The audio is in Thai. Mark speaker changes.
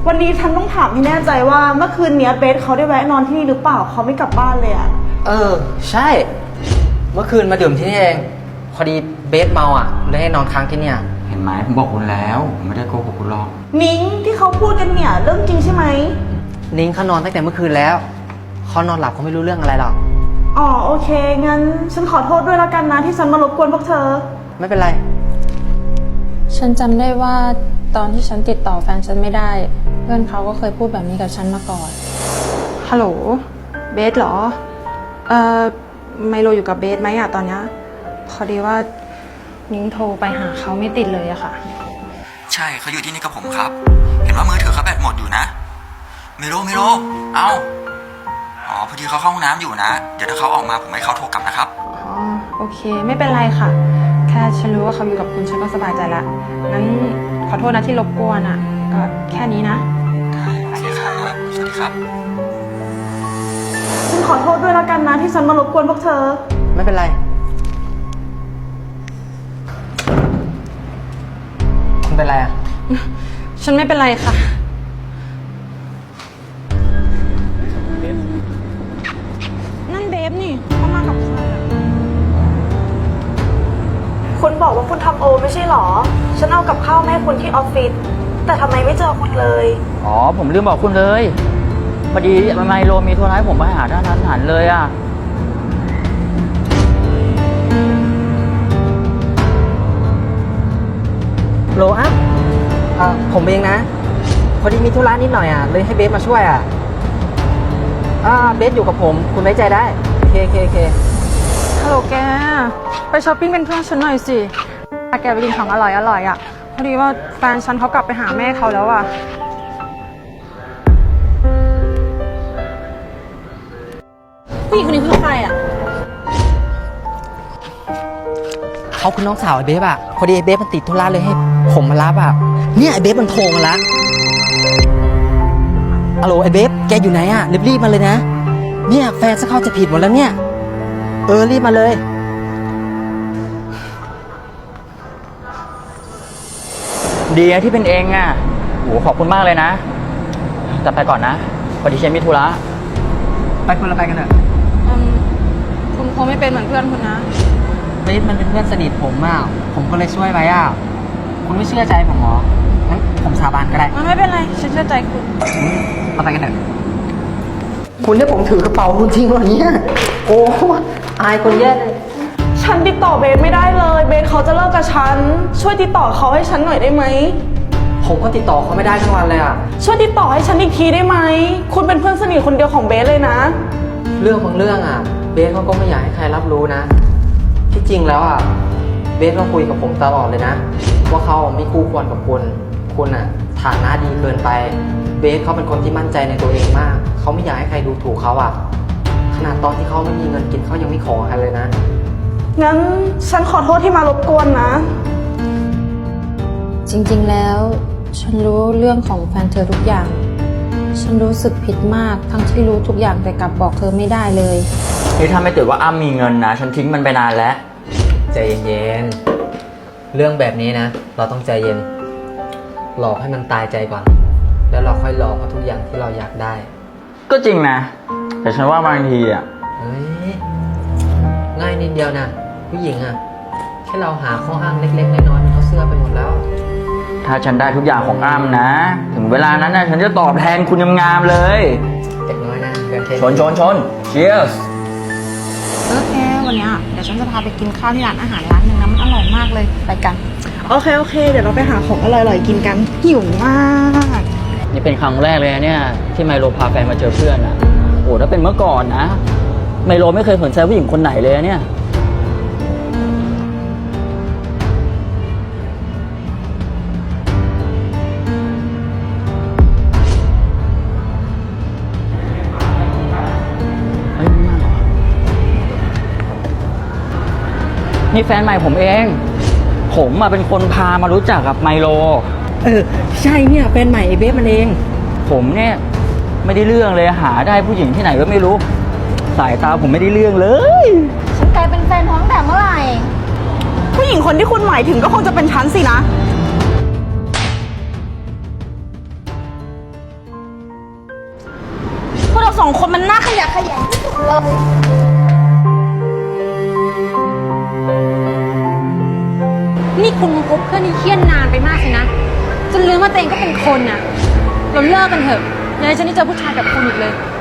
Speaker 1: วันนี้ฉันต้องถามให้แน่ใจว่าเมื่อคืนเนี้ยเบสเขาได้แวะนอนที่นี่หรือเปล่าเขาไม่กลับบ้านเลยอะ
Speaker 2: ใช่เมื่อคืนมาดื่มที่นี่เองพอดีเบสเมาอ่ะเลยให้นอนค้างที่เนี่ย
Speaker 3: เห็นไหมผมบอกคุณแล้วผมไม่ได้โกหกคุณหรอก
Speaker 1: นิ้งที่เขาพูดกันเนี่ยเรื่องจริงใช่ไหม
Speaker 2: นิ้งเขานอนตั้งแต่เมื่อคืนแล้วเขานอนหลับเขาไม่รู้เรื่องอะไรหรอก
Speaker 1: อ๋อโอเคงั้นฉันขอโทษด้วยแล้วกันนะที่ฉันมารบกวนพวกเธอ
Speaker 2: ไม่เป็นไร
Speaker 4: ฉันจำได้ว่าตอนที่ฉันติดต่อแฟนฉันไม่ได้ เพื่อนเขาก็เคยพูดแบบนี้กับฉันมาก่อน ฮัลโหล เบสเหรอ ไมโลอยู่กับเบสไหมอะตอนเนี้ยพอดีว่านิ้งโทรไปหาเขาไม่ติดเลยอะค่ะ
Speaker 3: ใช่เขาอยู่ที่นี่กับผมครับ เห็นว่ามือถือเขาแบตหมดอยู่นะไม่รู้เอาพอดีเขาเข้าห้องน้ำอยู่นะเดี๋ยวถ้าเขาออกมาผมให้เขาโทรกลับนะครับ
Speaker 4: อ๋อ โอเค ไม่เป็นไรค่ะ แค่ฉันรู้ว่าเขาอยู่กับคุณฉันก็สบายใจละ งั้นขอโทษนะที่รบกวนอะก็แค่นี้นะ
Speaker 3: โอเคครับสวัสดีครับ
Speaker 1: ฉันขอโทษด้วยแล้วกันนะที่ฉันมารบกวนพวกเธอ
Speaker 2: ไม่เป็นไรคุณเป็นไรอ่ะ
Speaker 4: ฉันไม่เป็นไรค่ะ นั่นเบฟนี่เขามากับใครอะ
Speaker 1: คุณบอกว่าคุณทำโอไม่ใช่หรอ ฉันเอากับข้าวมาให้คุณที่ออฟฟิศแต่ทำไมไม่เจอคุณเลย
Speaker 5: ผมลืมบอกคุณเลยพอดีไมโลมีโทรให้ผมไปหาท่านทันหันเลยอ่ะ
Speaker 2: โลอัพผมเองนะ พอดีมีธุระนิดหน่อยอ่ะเลยให้เบสมาช่วยอ่ะเบสอยู่กับผมคุณไว้ใจได้เค
Speaker 4: ฮัลโหลแก ไปช้อปปิ้งเป็นเพื่อนฉันหน่อยสิพาแกไปกินของอร่อยอ่ะ พอดีว่าแฟนฉันเขากลับไปหาแม่เขาแล้วอ่ะ ผู้หญิงคนนี้คือใครอ่ะ
Speaker 2: เขาคือน้องสาวไอ้เบสอ่ะพอดีไอ้เบสมันติดธุระเลยให้ผมมารับอ่ะเนี่ยไอ้เบสมันโทรมาละฮัลโหลไอ้เบสแกอยู่ไหนอ่ะรีบมาเลยนะเนี่ยแฟนจะเข้าจะผิดหมดแล้วเนี่ยรีบมาเลย
Speaker 5: ดีนะที่เป็นเองอ่ะโหขอบคุณมากเลยนะแต่ไปก่อนนะพอดีฉันมีธุระ
Speaker 2: ไปคนละไปกันเถอะ
Speaker 4: คุณคงไม่เป็นเหมือนเพื่อนคุณนะ
Speaker 2: เบสมันเป็นเพื่อนสนิทผมอ่ะผมก็เลยช่วยไว้อ่ะคุณไม่เชื่อใจผมเหรองั้นผมสาบานก็ได้
Speaker 4: มันไม่เป็นไร ฉันเชื่อใจคุณ
Speaker 2: เอาไปกันเถอะคุณให้ผมถือกระเป๋าคุณจริงเหรอเนี่ยโอ้อายคนแย่เลย
Speaker 1: ฉันติดต่อเบสไม่ได้เลย เบสเขาจะเลิกกับฉัน ช่วยติดต่อเขาให้ฉันหน่อยได้ไหม
Speaker 2: ผมก็ติดต่อเขาไม่ได้ทั้งวันเลยอ่ะ
Speaker 1: ช่วยติดต่อให้ฉันอีกทีได้ไหม คุณเป็นเพื่อนสนิทคนเดียวของเบสเลยนะ
Speaker 2: เรื่องบางเรื่องอ่ะ เบสเขาก็ไม่อยากให้ใครรับรู้นะ ที่จริงแล้วอ่ะ เบสก็คุยกับผมตลอดเลยนะ ว่าเขาไม่คู่ควรกับคุณอ่ะฐานะดีเกินไป เบสเขาเป็นคนที่มั่นใจในตัวเองมาก เขาไม่อยากให้ใครดูถูกเขาอ่ะ ขนาดตอนที่เขาไม่มีเงินกินเขายังไม่ขอใครเลยนะ
Speaker 1: งั้นฉันขอโทษที่มารบกวนนะ
Speaker 4: จริงๆ แล้ว ฉันรู้เรื่องของแฟนเธอทุกอย่าง ฉันรู้สึกผิดมากทั้งที่รู้ทุกอย่างแต่กลับบอกเธอไม่ได้เลย
Speaker 5: นี่ถ้าไม่ติดว่าอ้ำมีเงินนะฉันทิ้งมันไปนานแล้ว
Speaker 2: ใจเย็นๆ เรื่องแบบนี้นะ เราต้องใจเย็น หลอกให้มันตายใจก่อน แล้วเราค่อยรอเอาทุกอย่างที่เราอยากได้
Speaker 5: ก็จริงนะ แต่ฉันว่าบางทีอ่ะ
Speaker 2: เฮ้ย ง่ายนิดเดียวนะผู้หญิงอ่ะ แค่เราหาข้ออ้างเล็กๆน้อยๆมันเขาเสื้อไปหมดแล้ว
Speaker 5: ถ้าฉันได้ทุกอย่างของอ้ำนะ ถึงเวลานั้นนะฉันจะตอบแทนคุณงามๆเลย
Speaker 2: เด็กน้อยนะเกินเท
Speaker 5: ชน cheers
Speaker 4: โอเค วันเนี้ยเดี๋ยวฉันจะพาไปกินข้าวที่ร้านอาหารร้านหนึ่งนะมันอร่อยมากเลย ไปกัน
Speaker 1: โอเค เดี๋ยวเราไปหาของอร่อยๆกินกัน หิวมาก
Speaker 5: นี่เป็นครั้งแรกเลยนะเนี่ยที่ไมโลพาแฟนมาเจอเพื่อนอ่ะโอ้ถ้าเป็นเมื่อก่อนนะไมโลไม่เคยสนใจผู้หญิงคนไหนเลยนะเนี่ยเฮ้ยไม่น่าหรอนี่แฟนใหม่ผมเอง ผมมาเป็นคนพามารู้จักกับไมโล
Speaker 2: ใช่เนี่ยแฟนใหม่ไอ้เบสมันเอง
Speaker 5: ผมเนี่ยไม่ได้เรื่องเลยหาได้ผู้หญิงที่ไหนก็ไม่รู้ สายตาผมไม่ได้เรื่องเลย
Speaker 4: ฉันกลายเป็นแฟนท้องแต่เมื่อไหร่
Speaker 1: ผู้หญิงคนที่คุณหมายถึงก็คงจะเป็นฉันสินะ
Speaker 6: นี่คุณคบเพื่อนที่เครียดนานไปมากสินะจนลืมว่าตัวเองก็เป็นคนน่ะเราเลิกกันเถอะอย่าให้ฉันได้เจอผู้ชายแบบคุณอีกเลย